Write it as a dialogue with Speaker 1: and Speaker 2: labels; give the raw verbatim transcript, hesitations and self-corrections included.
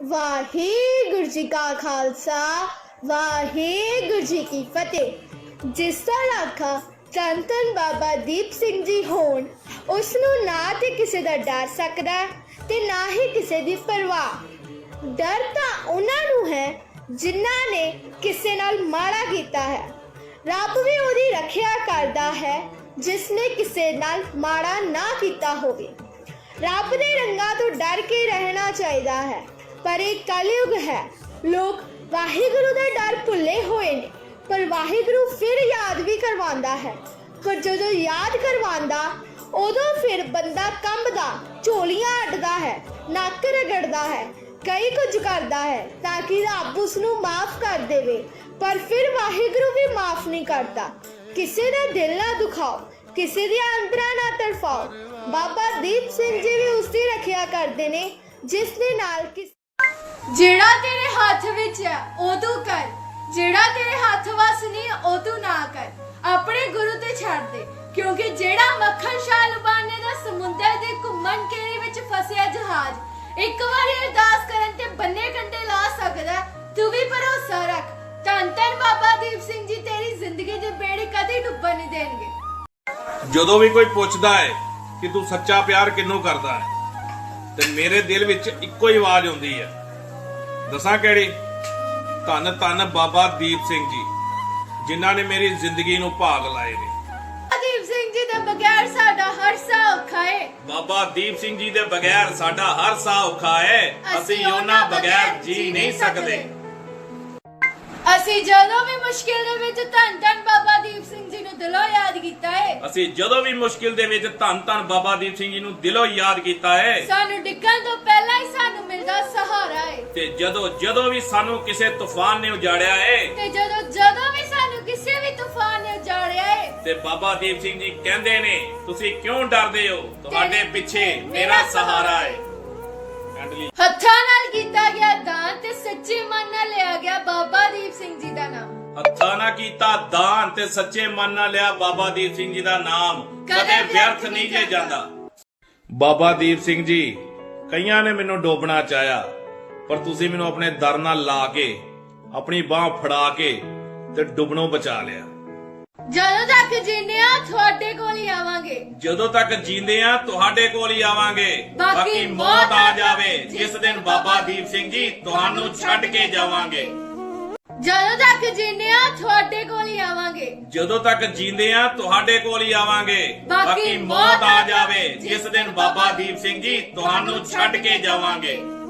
Speaker 1: ਵਾਹਿਗੁਰੂ ਜੀ ਕਾ ਖਾਲਸਾ ਵਾਹਿਗੁਰੂ ਜੀ ਕੀ ਫਤਿਹ। ਜਿਸ ਦਾ ਰਾਖਾ ਧੰਨ ਧੰਨ ਬਾਬਾ ਦੀਪ ਸਿੰਘ ਜੀ ਹੋਣ, ਉਸ ਨੂੰ ਨਾ ਤੇ ਕਿਸੇ ਦਾ ਡਰ ਸਕਦਾ ਤੇ ਨਾ ਹੀ ਕਿਸੇ ਦੀ ਪਰਵਾਹ। ਡਰ ਤਾਂ ਉਹਨਾਂ ਨੂੰ ਹੈ ਜਿਨ੍ਹਾਂ ਨੇ ਕਿਸੇ ਨਾਲ ਮਾੜਾ ਕੀਤਾ ਹੈ। ਰੱਬ ਵੀ ਉਹਦੀ ਰੱਖਿਆ ਕਰਦਾ ਹੈ ਜਿਸ ਨੇ ਕਿਸੇ ਨਾਲ ਮਾੜਾ ਨਾ ਕੀਤਾ ਹੋਵੇ। ਰੱਬ ਦੇ ਰੰਗਾਂ ਤੋਂ ਡਰ ਕੇ ਰਹਿਣਾ ਚਾਹੀਦਾ ਹੈ, ਪਰ ਇਹ ਕਲਯੁਗ ਹੈ। ਲੋਕ ਵਾਹਿਗੁਰੂ ਦਾ ਡਰ ਭੁੱਲੇ ਹੋਏ ਨੇ, ਪਰ ਵਾਹਿਗੁਰੂ ਫਿਰ ਯਾਦ ਵੀ ਕਰਵਾਉਂਦਾ ਹੈ। ਪਰ ਜਦੋਂ ਯਾਦ ਕਰਵਾਉਂਦਾ ਉਦੋਂ ਫਿਰ ਬੰਦਾ ਕੰਬਦਾ, ਝੋਲੀਆਂ ਅੱਡਦਾ ਹੈ, ਨੱਕ ਰਗੜਦਾ ਹੈ, ਕਈ ਕੁਝ ਕਰਦਾ ਹੈ ਤਾਂ ਕਿ ਰੱਬ ਉਸ ਨੂੰ ਮਾਫ ਕਰ ਦੇਵੇ, ਪਰ ਫਿਰ ਵਾਹਿਗੁਰੂ ਵੀ ਮਾਫ ਨਹੀਂ ਕਰਦਾ। ਕਿਸੇ ਦਾ ਦਿਲ ਨਾ ਦੁਖਾਓ, ਕਿਸੇ ਦੀਆਂ ਅੰਦਰਾਂ ਨਾ ਤੜਫਾਓ। ਬਾਬਾ ਦੀਪ ਸਿੰਘ ਜੀ ਵੀ ਉਸ ਦੀ ਰੱਖਿਆ ਕਰਦੇ ਨੇ ਜਿਸ ਦੇ ਨਾਲ ਕਿਸ
Speaker 2: ਜਿਹੜਾ ਤੇਰੇ ਹੱਥ ਵਿੱਚ ਹੈ ਉਹ ਤੂੰ ਕਰ, ਜਿਹੜਾ ਤੇਰੇ ਹੱਥ ਵਸ ਨਹੀਂ ਉਹ ਤੂੰ ਨਾ ਕਰ। ਆਪਣੇ ਗੁਰੂ ਤੇ ਛੱਡ ਦੇ, ਕਿਉਂਕਿ ਜਿਹੜਾ ਮੱਖਣ ਸ਼ਾਹ ਲੁਬਾਨੇ ਦਾ ਸਮੁੰਦਰ ਦੇ ਘੁੰਮਣ ਘੇਰੇ ਵਿੱਚ ਫਸਿਆ ਜਹਾਜ਼ ਇੱਕ ਵਾਰੀ ਅਰਦਾਸ ਕਰਨ ਤੇ ਬੰਨੇ ਕੰਡੇ ਲਾ ਸਕਦਾ। ਤੂੰ ਵੀ ਭਰੋਸਾ ਰੱਖ, ਧੰਨ ਧੰਨ ਬਾਬਾ ਦੀਪ ਸਿੰਘ ਜੀ ਤੇਰੀ ਜ਼ਿੰਦਗੀ ਦੇ ਬੇੜੇ ਕਦੇ ਡੁੱਬਣ ਨਹੀਂ ਦੇਣਗੇ।
Speaker 3: ਜਦੋਂ ਵੀ ਕੋਈ ਪੁੱਛਦਾ ਹੈ ਕਿ ਤੂੰ ਸੱਚਾ ਪਿਆਰ ਕਿਹਨੂੰ ਕਰਦਾ ਹੈ, ਤੇ ਮੇਰੇ ਦਿਲ ਵਿੱਚ ਇੱਕੋ ਹੀ ਆਵਾਜ਼ ਆਉਂਦੀ ਹੈ, ਦੱਸਾਂ ਕਿਹੜੀ? ਧੰਨ ਧੰਨ ਬਾਬਾ ਦੀਪ ਸਿੰਘ ਜੀ, ਜਿਨ੍ਹਾਂ ਨੇ ਮੇਰੀ ਜ਼ਿੰਦਗੀ ਨੂੰ ਭਾਗ ਲਾਏ ਨੇ।
Speaker 2: ਦੀਪ ਸਿੰਘ ਜੀ ਦੇ ਬਗੈਰ ਸਾਡਾ ਹਰ ਸਾਹ ਔਖਾ ਹੈ।
Speaker 3: ਬਾਬਾ ਦੀਪ ਸਿੰਘ ਜੀ ਦੇ ਬਗੈਰ ਸਾਡਾ ਹਰ ਸਾਹ ਔਖਾ ਹੈ। ਅਸੀਂ ਉਹਨਾਂ ਬਗੈਰ ਜੀ ਨਹੀਂ ਸਕਦੇ।
Speaker 2: ਅਸੀਂ ਜਦੋਂ ਵੀ ਮੁਸ਼ਕਿਲ ਦੇ ਵਿੱਚ ਧੰਨ ਧੰਨ ਬਾਬਾ ਦੀਪ ਸਿੰਘ ਜੀ ਨੂੰ ਦਿਲੋਂ ਯਾਦ ਕੀਤਾ ਹੈ।
Speaker 3: ਅਸੀਂ ਜਦੋਂ ਵੀ ਮੁਸ਼ਕਿਲ ਦੇ ਵਿੱਚ ਧੰਨ ਧੰਨ ਬਾਬਾ ਦੀਪ ਸਿੰਘ ਜੀ ਨੂੰ ਦਿਲੋਂ ਯਾਦ ਕੀਤਾ ਹੈ।
Speaker 2: ਸਾਨੂੰ ਡਿੱਗਣ ਤੋਂ ਪਹਿਲਾਂ ਹੀ ਸਾਨੂੰ ਮਿਲਦਾ ਸਹਾਰਾ ਹੈ।
Speaker 3: ਤੇ ਜਦੋਂ ਜਦੋਂ ਵੀ ਸਾਨੂੰ ਕਿਸੇ ਤੂਫਾਨ ਨੇ ਉਜਾੜਿਆ ਹੈ,
Speaker 2: ਤੇ ਜਦੋਂ ਜਦੋਂ ਵੀ ਸਾਨੂੰ ਕਿਸੇ ਵੀ ਤੂਫਾਨ ਨੇ ਉਜਾੜਿਆ ਹੈ,
Speaker 3: ਤੇ ਬਾਬਾ ਦੀਪ ਸਿੰਘ ਜੀ ਕਹਿੰਦੇ ਨੇ, ਤੁਸੀਂ ਕਿਉਂ ਡਰਦੇ ਹੋ? ਤੁਹਾਡੇ ਪਿੱਛੇ ਮੇਰਾ ਸਹਾਰਾ ਹੈ।
Speaker 2: ਹੱਥਾਂ ਨਾਲ ਕੀਤਾ ਗਿਆ ਦਾਨ ਤੇ ਸੱਚੇ ਮਨ ਨਾਲ ਲਿਆ ਗਿਆ ਬਾਬਾ ਦੀਪ ਸਿੰਘ ਜੀ ਦਾ ਨਾਮ।
Speaker 3: ਹੱਥਾਂ ਨਾਲ ਕੀਤਾ ਦਾਨ ਤੇ ਸੱਚੇ ਮਨ ਨਾਲ ਲਿਆ ਬਾਬਾ ਦੀਪ ਸਿੰਘ ਜੀ ਦਾ ਨਾਮ, ਕਦੇ ਵਿਅਰਥ ਨਹੀਂ ਜੇ ਜਾਂਦਾ। ਬਾਬਾ ਦੀਪ ਸਿੰਘ ਜੀ, ਕਈਆਂ ਨੇ ਮੈਨੂੰ ਡੋਬਣਾ ਚਾਹਿਆ, ਪਰ ਤੁਸੀਂ ਮੈਨੂੰ ਆਪਣੇ ਦਰ ਨਾਲ ਲਾ ਕੇ, ਆਪਣੀ ਬਾਹ ਫੜਾ ਕੇ ਤੇ ਡੁੱਬਣੋਂ ਬਚਾ ਲਿਆ।
Speaker 2: ਜਦੋਂ ਤੱਕ ਜੀਂਦੇ ਆ ਤੁਹਾਡੇ ਕੋਲ ਹੀ ਆਵਾਂਗੇ।
Speaker 3: ਜਦੋਂ ਤੱਕ ਜੀਂਦੇ ਆ ਤੁਹਾਡੇ ਕੋਲ ਹੀ ਆਵਾਂਗੇ। ਬਾਕੀ ਮੌਤ ਆ ਜਾਵੇ ਜਿਸ ਦਿਨ ਬਾਬਾ ਦੀਪ ਸਿੰਘ ਜੀ ਤੁਹਾਨੂੰ ਛੱਡ ਕੇ ਜਾਵਾਂਗੇ।
Speaker 2: ਜਦੋਂ ਤੱਕ ਜੀਂਦੇ ਆ ਤੁਹਾਡੇ ਕੋਲ ਹੀ ਆਵਾਂਗੇ।
Speaker 3: ਜਦੋਂ ਤੱਕ ਜੀਂਦੇ ਆ ਤੁਹਾਡੇ ਕੋਲ ਹੀ ਆਵਾਂਗੇ। ਬਾਕੀ ਮੌਤ ਆ ਜਾਵੇ ਜਿਸ ਦਿਨ ਬਾਬਾ ਦੀਪ ਸਿੰਘ ਜੀ ਤੁਹਾਨੂੰ ਛੱਡ ਕੇ ਜਾਵਾਂਗੇ।